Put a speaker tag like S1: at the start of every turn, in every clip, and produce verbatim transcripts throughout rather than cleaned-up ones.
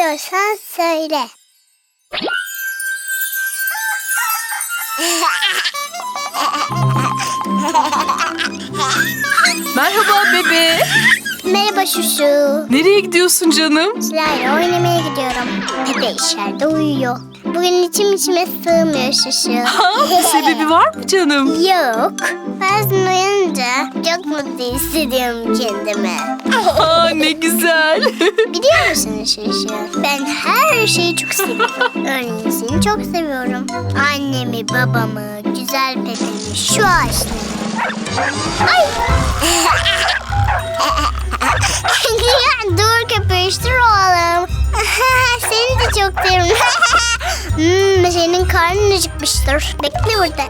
S1: Seviyorsan söyle.
S2: Merhaba bebe.
S1: Merhaba Şuşu.
S2: Nereye gidiyorsun canım?
S1: Sizlerle oynamaya gidiyorum. Pepe içeride uyuyor. Bugün içim içime sığmıyor Şuşu.
S2: Ha, bir sebebi var mı canım?
S1: Yok. Bazen uyanınca çok mutlu hissediyorum kendimi.
S2: Aa, ne güzel.
S1: Biliyor musun Şuşu? Ben her şeyi çok seviyorum. Örneğin seni çok seviyorum. Annemi, babamı, güzel Pepe'mi, şu ağaçları. Ay! Dur köpüştür oğlum. Seni de çok seviyorum. hmm, senin karnın acıkmıştır. Bekle burada.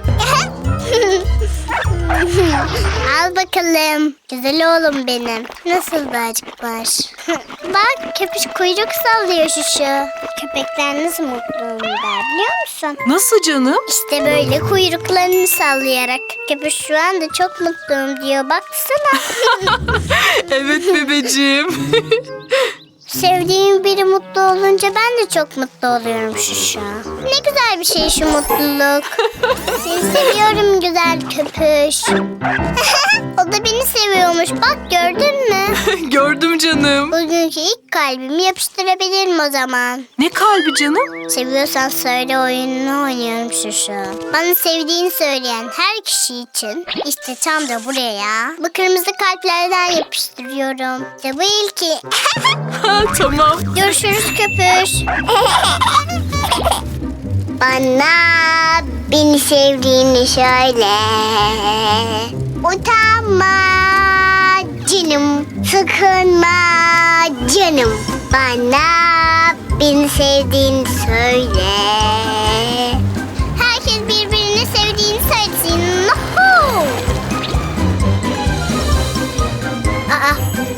S1: Al bakalım. Güzel oğlum benim. Nasıl da acıkmış. Bak köpüş kuyruk sallıyor Şuşu. Köpekler nasıl mutlu olurlar biliyor musun?
S2: Nasıl canım?
S1: İşte böyle kuyruklarını sallayarak. Köpüş şu anda çok mutluyum diyor. Baksana.
S2: Evet bebeciğim.
S1: Sevdiğim biri mutlu olunca ben de çok mutlu oluyorum Şuşu. Ne güzel bir şey şu mutluluk. Seni seviyorum güzel köpüş. O da beni seviyormuş. Bak gördün mü?
S2: Gördüm canım.
S1: Bugünkü ilk kalbimi yapıştırabilirim o zaman.
S2: Ne kalbi canım?
S1: Seviyorsan söyle oyununu oynuyorum Şuşu. Bana sevdiğini söyleyen her kişi için işte tam da buraya bu kırmızı kalplerden yapıştırıyorum. İşte bu ilki.
S2: Ha, tamam.
S1: Görüşürüz köpüş. Bana beni sevdiğini söyle. Utanma canım, sıkılma canım. Bana beni sevdiğini söyle. Herkes birbirini sevdiğini söylesin. Nuhu! Aa.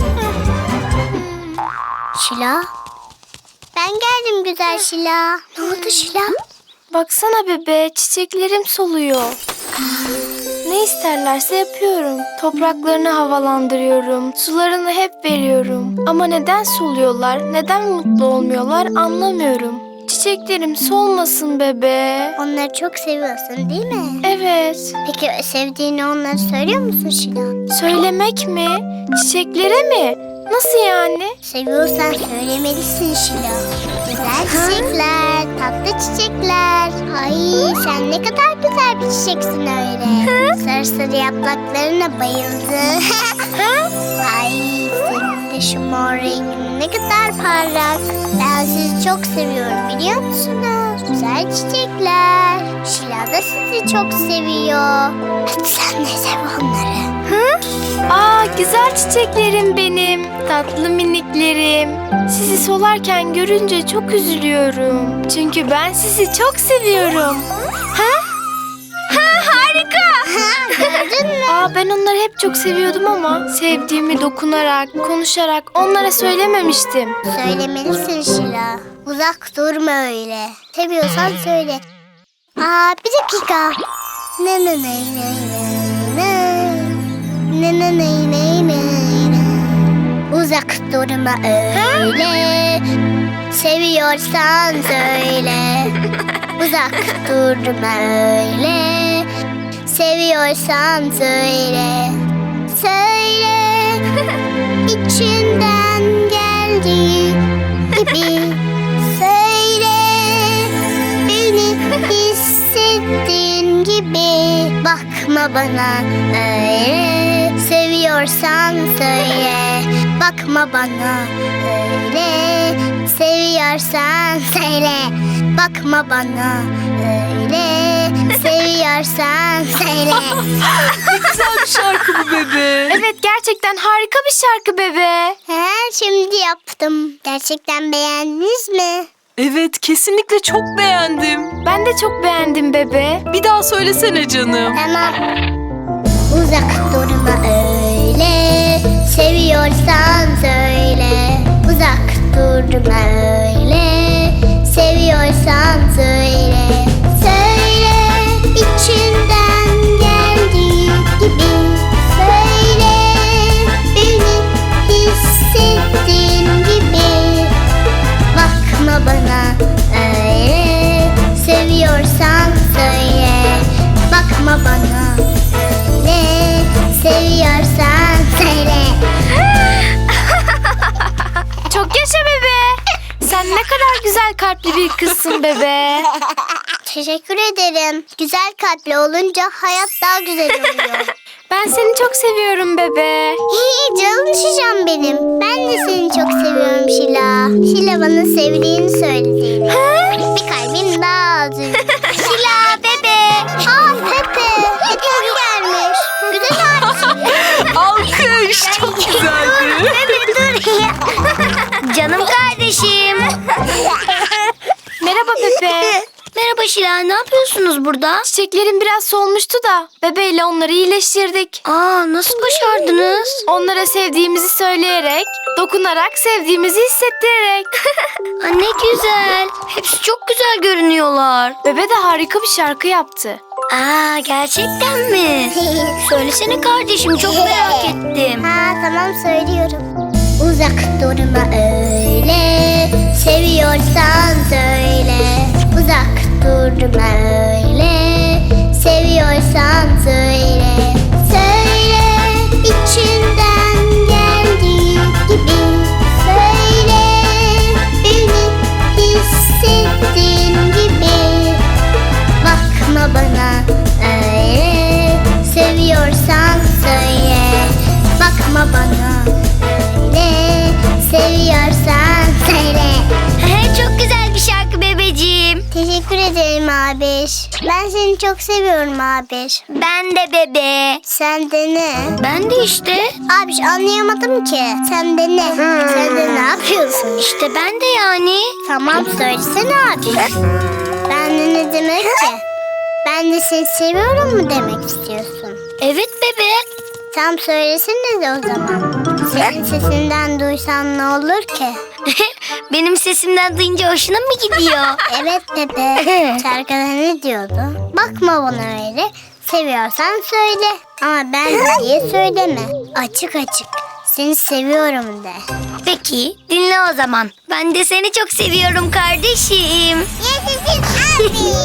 S1: Şila. Ben geldim güzel Şila. Ne oldu Şila?
S3: Baksana bebe, çiçeklerim soluyor. Ne isterlerse yapıyorum. Topraklarını havalandırıyorum. Sularını hep veriyorum. Ama neden soluyorlar, neden mutlu olmuyorlar anlamıyorum. Çiçeklerim solmasın bebe.
S1: Onları çok seviyorsun değil mi?
S3: Evet.
S1: Peki sevdiğini onlara söylüyor musun Şila?
S3: Söylemek mi? Çiçeklere mi? Nasıl yani?
S1: Seviyorsan söylemelisin Şila. Güzel çiçekler, tatlı çiçekler. Ay sen ne kadar güzel bir çiçeksin öyle. Sarı sarı yapraklarına bayıldım. Ay senin de şu mor rengin ne kadar parlak. Ben sizi çok seviyorum biliyor musunuz? Güzel çiçekler. Şila da sizi çok seviyor. Hadi sen de sev onları.
S3: Hı? Aa, güzel çiçeklerim benim. Tatlı miniklerim. Sizi solarken görünce çok üzülüyorum. Çünkü ben sizi çok seviyorum. Ha? Ha, harika.
S1: Gördün mü?
S3: Aa, ben onları hep çok seviyordum ama sevdiğimi dokunarak, konuşarak onlara söylememiştim.
S1: Söylemelisin Şila. Uzak durma öyle. Seviyorsan söyle. Aa bir dakika. Ne ne ne ne ne ne ne ne ne ne Uzak durma öyle. Seviyorsan söyle. Uzak durma öyle. Seviyorsan söyle. Söyle. İçinden geldiği gibi söyle. Beni hissettiğin gibi bakma bana öyle. Seviyorsan söyle. Bakma bana öyle. Seviyorsan söyle. Bakma bana öyle. Seviyorsan söyle.
S2: Ne güzel bir şarkı bu bebe.
S3: Evet, gerçekten harika bir şarkı bebe.
S1: He, şimdi yaptım. Gerçekten beğendiniz mi?
S2: Evet, kesinlikle çok beğendim.
S3: Ben de çok beğendim bebe.
S2: Bir daha söylesene canım.
S1: Tamam. Uzak durma öyle. Seviyorsan söyle. Uzak durma öyle. Seviyorsan söyle. Söyle içinden geldiği gibi. Söyle beni hissettiğin gibi. Bak bana ne seviyorsan söyle.
S3: Çok yaşa bebe. Sen ne kadar güzel kalpli bir kızsın bebe.
S1: Teşekkür ederim. Güzel kalpli olunca hayat daha güzel oluyor.
S3: Ben seni çok seviyorum bebe.
S1: Hii, canım şişem benim. Ben de seni çok seviyorum Şila. Şila bana sevdiğini söylediğini. Bir kalbim daha az üzüldü. Şila bebe. Aa Pepe. Hediye gelmiş. Güzel harika.
S2: Alkış. Çok güzeldi.
S1: Bebe dur. Canım kardeşim.
S3: Merhaba Pepe.
S1: Merhaba Şila. Ne yapıyorsunuz burada?
S3: Çiçeklerim biraz solmuştu da bebeyle onları iyileştirdik.
S1: Aa, nasıl başardınız?
S3: Onlara sevdiğimizi söyleyerek, dokunarak sevdiğimizi hissettirerek.
S1: Aa, ne güzel. Hepsi çok güzel görünüyorlar.
S3: Bebe de harika bir şarkı yaptı.
S1: Aa, gerçekten mi? Söylesene kardeşim, çok merak ettim. Ha, tamam söylüyorum. Uzak durma öyle, seviyorsan söyle. Uzak durma öyle, seviyorsan söyle. Söyle içinden geldiği gibi. Söyle beni hissettiğin gibi. Bakma bana öyle, seviyorsan söyle. Bakma bana öyle, seviyorsan söyle. Çok güzel bir şarkı bebeciğim. Teşekkür ederim abiş. Ben seni çok seviyorum abiş. Ben de bebe. Sen de ne? Ben de işte. Abiş anlayamadım ki. Sen de ne? Sen de ne yapıyorsun? İşte ben de yani. Tamam söylesene abiş. Ben de ne demek ki? Ben de seni seviyorum mu demek istiyorsun? Evet bebe. Tam söylesene de o zaman. Senin sesinden duysan ne olur ki? Benim sesimden duyunca hoşuna mı gidiyor? Evet Pepe. Şarkıda ne diyordu? Bakma bana öyle. Seviyorsan söyle. Ama ben diye söyleme. Açık açık. Seni seviyorum de. Peki dinle o zaman. Ben de seni çok seviyorum kardeşim. Yaşasın abi.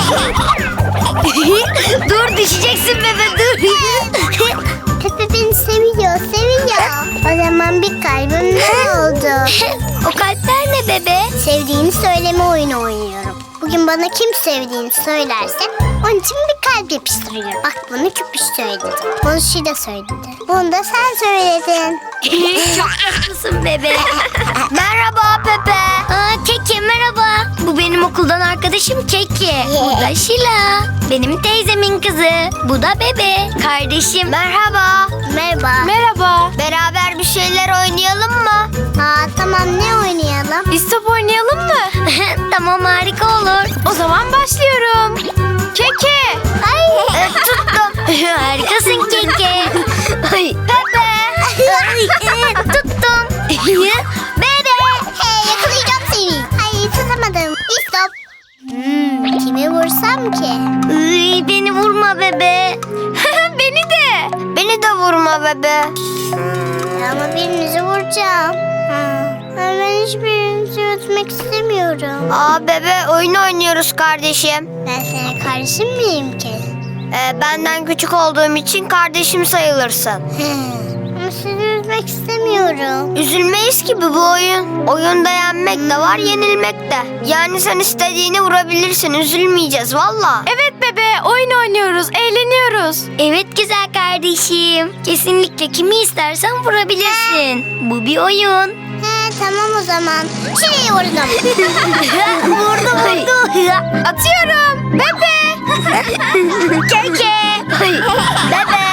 S1: Dur düşeceksin bebe dur. Pepe beni seviyor seviyor. O zaman bir kalbim ne oldu? O kalpler ne bebe? Sevdiğini söyleme oyunu oynuyorum. Bugün bana kim sevdiğini söylerse onun için bir kalp yapıştırıyorum. Bak bunu Küpüş söyledi. Bunu Şila söyledi. Bunu da sen söyledin. Çok tatlısın bebe. Merhaba Pepe. Aa, Keke merhaba. Bu benim okuldan arkadaşım Keke. Bu da Şila. Benim teyzemin kızı. Bu da bebe. Kardeşim. Merhaba. Merhaba.
S3: Merhaba.
S1: Beraber bir şeyler oynayalım mı? Aa, tamam ne oynayalım?
S3: İstop oynayalım mı?
S1: Tamam harika olur.
S3: O zaman başlıyorum. Keke.
S1: Ay e, tuttum. Harikasın Keke. Ay, Pepe. Ay, e, tuttum. Bebe. Hey yakalayacağım seni. Ay tutamadım. İstop. Hmm, kimi vursam ki? Iy, beni vurma bebe.
S3: Beni de.
S1: Beni de vurma bebe. Ama birinizi vuracağım. Ha. Ben hiçbirinizi ötmek istemiyorum. Aa bebe oyun oynuyoruz kardeşim. Ben senin kardeşin miyim ki? Ee, benden küçük olduğum için kardeşim sayılırsın. Ama sizi üzmek istemiyorum. Üzülmeyiz ki bu oyun. Oyunda yenmek de var yenilmek de. Yani sen istediğini vurabilirsin üzülmeyeceğiz valla.
S3: Evet bebe oyun oynuyoruz, eğleniyoruz.
S1: Evet güzel kardeşim. Kesinlikle kimi istersen vurabilirsin. Bu bir oyun. He tamam o zaman. Şuraya vurdum. vurdu vurdu.
S3: Atıyorum. Bebe.
S1: Keke. Bebe.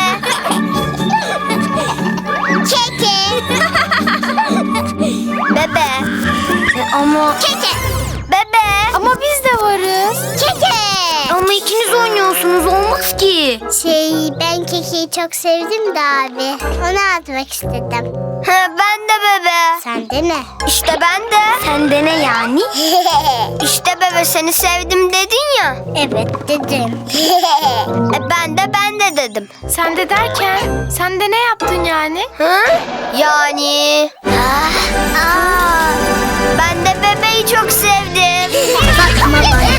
S1: Keke. Bebe. Ama. Keke. Bebe.
S3: Ama biz de varız.
S1: Keke. Ama ikiniz oynuyorsunuz olmaz ki. Şey ben Keke'yi çok sevdim de abi. Onu atmak istedim. Ben de bebe. Sen de ne? İşte ben de. Sen de ne yani? İşte bebe seni sevdim dedin ya. Evet dedim. e ben de ben de dedim.
S3: Sen de derken sen de ne yaptın yani?
S1: Hı? Yani. Ah, aa. Ben de bebeği çok sevdim. Bakma bana